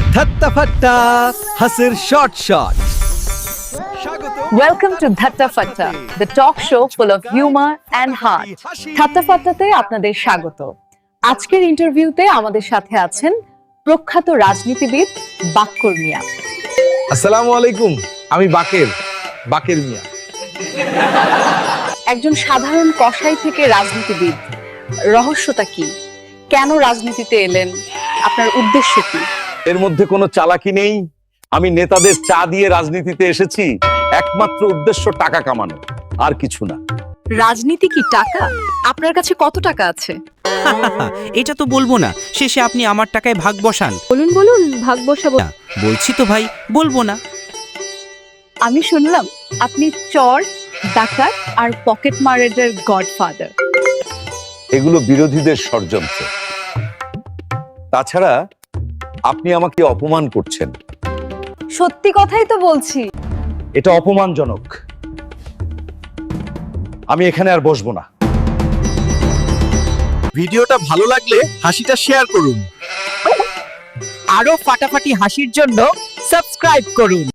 ধাত্তা ফাট্টা হাসির short shot. Welcome to Dhatta Fatta, the talk show full of humor and heart. Dhatta Fattaতে আপনাদের স্বাগত। আজকের ইন্টারভিউতে আমাদের সাথে আছেন প্রখ্যাত রাজনীতিবিদ বাক্কর মিয়া। আসসালামু আলাইকুম, আমি বাকের মিয়া। একজন সাধারণ কসাই থেকে রাজনীতিবিদ, রহস্যটা কি? কেন রাজনীতিতে এলেন? আপনার উদ্দেশ্য কি? এর মধ্যে কোনো চালাকি নেই। আমি নেতাদের চা দিয়ে রাজনীতিতে এসেছি, একমাত্র উদ্দেশ্য টাকা কামানো, আর কিছু না। রাজনীতি কি টাকা? আপনার কাছে কত টাকা আছে? এটা তো বলবো না, শেষে আপনি আমার টাকায় ভাগ বসান। বলুন ভাগ বসাবো। না, বলছি তো ভাই, বলবো না। আমি শুনলাম আপনি চর, ডাকাত আর পকেট মারের গডফাদার। এগুলো বিরোধীদের ষড়যন্ত্র। তাছাড়া আপনি আমাকে অপমান করছেন। সত্যি কথাই তো বলছি। এটা অপমানজনক। আমি এখানে আর বসবো না। ভিডিওটা ভালো লাগলে হাসিটা শেয়ার করুন। আরো ফাটাফাটি হাসির জন্য সাবস্ক্রাইব করুন।